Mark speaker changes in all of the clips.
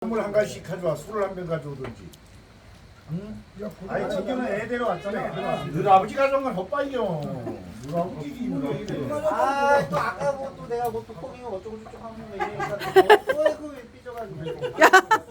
Speaker 1: 선물 한 가지씩 가져와. 술을 한 병 가져오든지. 응? 아니 지금은 애 데려왔잖아. 너 아버지 가져온 건 헛바이요. 누가 웃기기 누가
Speaker 2: 아또 아까 뭐또 내가 뭐또 콩이가 어쩌고 저쩌고 하면 이러니까 또그 삐져가지고.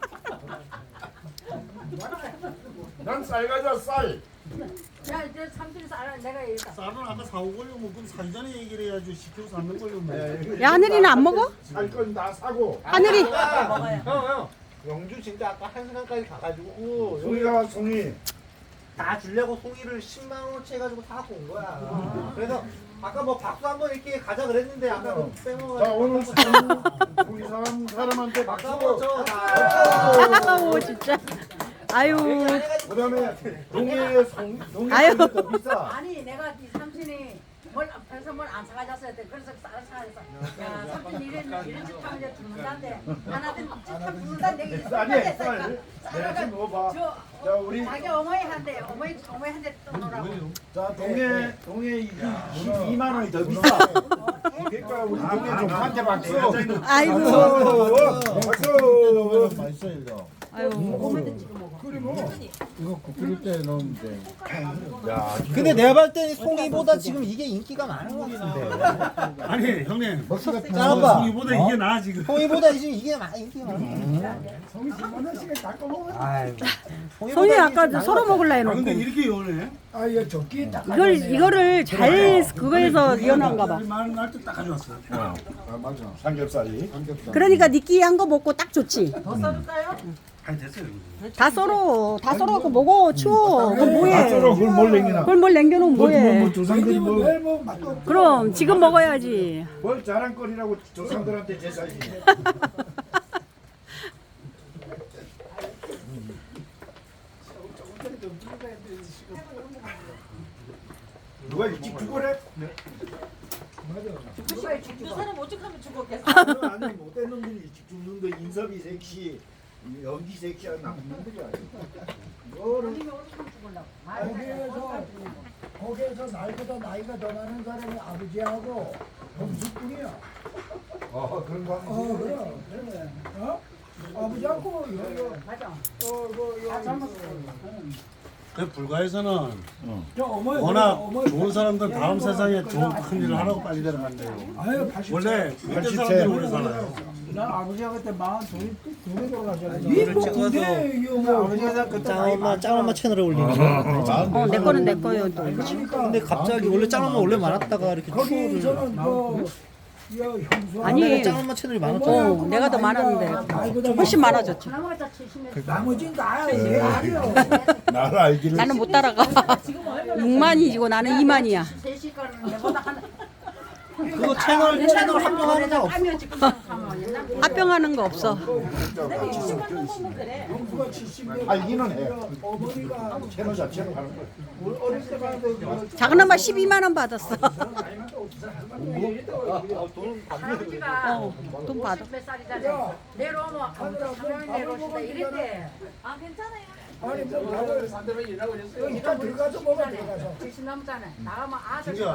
Speaker 1: 난 쌀 가져와 쌀.
Speaker 3: 야 이제 삼촌이 쌀 내가 얘기했다.
Speaker 2: 쌀은 아까 사오 걸려 뭐 그럼 사기 전에 얘기를 해야지 시키고 사는 걸려 뭐.
Speaker 4: 야, 하늘이는 안 먹어?
Speaker 1: 살건다 사고.
Speaker 4: 하늘이.
Speaker 2: 형 영주 진짜 아까 1시간까지 가가지고
Speaker 1: 송이가 송이.
Speaker 2: 다 주려고 송이를 10만 원어치 해가지고 다 갖고 온 거야. 그래서 아까 뭐 박수 한번 이렇게 가자 그랬는데 아까 그 빼먹어가지고.
Speaker 1: 자 오늘 송이 사람한테 박수.
Speaker 2: 박수 한번 쳐. 다.
Speaker 4: 오, 진짜. 아유.
Speaker 1: 그다음에 동해의 동해
Speaker 4: 아유.
Speaker 1: 더 비싸.
Speaker 3: 아니 내가 이 삼촌이 뭘 앞에서 뭘 안 사가졌어야 돼. 그래서 쌀을 사가졌어. 야 삼촌 이런 짓 하면 이제 죽는다는데 하나든 짓하면 죽는다 내가
Speaker 1: 쌀이야 쌀. 내가 지금 먹어봐. 자 우리
Speaker 3: 자기 어머니한테 어머니한테 또 놓으라고.
Speaker 1: 자 동해 2만 원이 더 비싸. 그러니까 우리 동해 좀 한테 박수.
Speaker 4: 아이고.
Speaker 1: 박수.
Speaker 5: 맛있어 이거.
Speaker 4: 아유.
Speaker 5: 이거 끓일 때 넣으면 돼.
Speaker 1: 야,
Speaker 2: 근데 내가 봤을 때 송이보다 지금 이게 인기가 많은 것 같은데.
Speaker 6: 아니 형님
Speaker 2: 짠아빠.
Speaker 6: 송이보다 이게 나아 지금.
Speaker 2: 송이보다 지금 이게 인기가 많아.
Speaker 1: 송이 10만 원씩에 닦아 먹어.
Speaker 4: 손이 아까 서로 먹을라
Speaker 6: 아
Speaker 4: 해놓고.
Speaker 6: 근데 이렇게 요네.
Speaker 1: 아, 이거 적기 딱.
Speaker 4: 이거를 잘 그거에서 리어놓은가 봐.
Speaker 6: 많은 날때 딱 가져왔어.
Speaker 1: 아, 맞아. 삼겹살이.
Speaker 4: 그러니까 니끼한 거 먹고 딱 좋지.
Speaker 3: 더 써줄까요?
Speaker 6: 아니 됐어요.
Speaker 4: 다 썰어. 다 썰어갖고 먹어. 추워. 그럼 뭐해?
Speaker 1: 맛으로 그걸 뭘 냉기나.
Speaker 4: 그걸 뭘 남겨놓으면 뭐해?
Speaker 1: 조상들이
Speaker 4: 그럼 지금 먹어야지.
Speaker 1: 뭘 자랑거리라고 조상들한테 제사지. 누가 일찍 죽어래?
Speaker 3: 두 사람 오죽하면 죽었겠어.
Speaker 1: 아니 못된 놈들이 일찍 죽는 거 인섭이 섹시, 연기 섹시한 나쁜 놈들이 아니야.
Speaker 3: 아니면 오죽하면 죽을라고.
Speaker 7: 거기에서 나이보다 나이가 더 많은 사람이 아버지하고 동숙뿐이야.
Speaker 1: 그런 거 하면
Speaker 7: 그래. 아버지하고
Speaker 3: 맞아.
Speaker 7: 다
Speaker 3: 젊었어.
Speaker 6: 그 불가에서는
Speaker 7: 어머니
Speaker 6: 워낙 좋은 사람들 다음 세상에 좋은 큰 일을 하라고 빨리 데려간대요.
Speaker 7: 아유 80.
Speaker 6: 원래 밑에 사람들이 오래 살아요.
Speaker 7: 난 아버지가 그때 42에 돌아가셨는데. 이뭐 그게 이거 뭐 아버지가 그때
Speaker 2: 짱엄마 채널에 올리는 거.
Speaker 4: 내 거는 내 거예요 또.
Speaker 2: 근데 갑자기 원래 짱엄마 원래 많았다가 이렇게 추월을.
Speaker 7: 거기서는 형수
Speaker 4: 아니.
Speaker 2: 짱엄마 채널이 많았잖아.
Speaker 4: 내가 더 많았는데 훨씬 많아졌지.
Speaker 3: 나무가 다 70년.
Speaker 7: 나머지는 나야. 얘 아니야.
Speaker 1: 나를 알기를.
Speaker 4: 나는 못 따라가. 6만이고 나는 2만이야.
Speaker 3: 3시 거는 내보다 한.
Speaker 2: 그거 채널 합병하는 거 없어.
Speaker 3: 하면 지금 하면 옛날
Speaker 4: 합병하는 거 없어.
Speaker 7: 형수가 70년.
Speaker 1: 알기는 해.
Speaker 7: 어머니가
Speaker 1: 채널 자체로 하는 거야.
Speaker 7: 어릴 때 봤는데
Speaker 4: 작은 엄마 12만 원 받았어.
Speaker 3: 할아버지가
Speaker 4: 돈 받아.
Speaker 3: 몇 살이잖아. 내려오면 아무도 사명이 내려오신다 이랬대.
Speaker 8: 아 괜찮아요.
Speaker 7: 아니 뭐 밥을 이따 들어가서 먹어 들어가서.
Speaker 3: 70 넘잖아. 나가면 아들
Speaker 6: 진짜